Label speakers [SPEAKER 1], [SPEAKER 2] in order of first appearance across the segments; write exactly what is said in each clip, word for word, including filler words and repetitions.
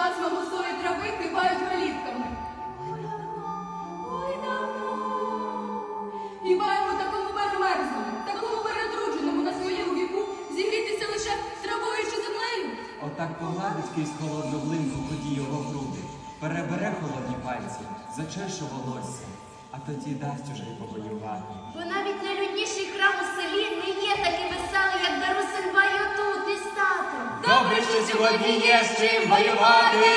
[SPEAKER 1] пасма густої трави кивають голівками.
[SPEAKER 2] Ой, давно.
[SPEAKER 1] Хіба йому такому перемерзному, такому перетрудженому на своєму віку зігрітися лише травою чи землею?
[SPEAKER 3] Отак погладить крізь холодну глинку ході його груди, перебере холодні пальці, зачеше волосся, а тоді дасть уже й повоювати.
[SPEAKER 2] Бо навіть найлюдніший храм у селі не є такий веселий, як Дарусин бай отут із татом.
[SPEAKER 3] Добре, що сьогодні є з чим воювати!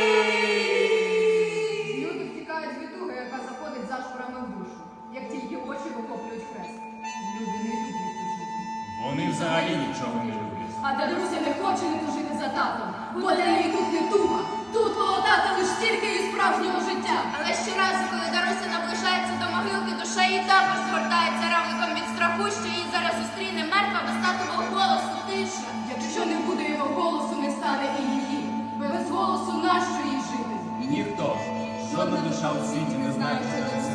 [SPEAKER 1] Люди втікають від туги, яка заходить зашпорами в душу, як тільки очі охоплюють хрест. Люди не люблять тужити.
[SPEAKER 4] Вони взагалі нічого не люблять.
[SPEAKER 1] А Даруся не хоче не тужити за татом, бо для неї тут не туга. Тут коло тата лиш тільки і справжнього життя.
[SPEAKER 2] Але щоразу, коли Даруся наближається до могилки, душа її також згортається равликом від страху, що її зараз зустріне мертва без татового голосу тиша.
[SPEAKER 1] Якщо не буде його голосу, не стане і її. Без голосу нащо їй жити?
[SPEAKER 4] І ніхто, жодна душа у світі не знає, що це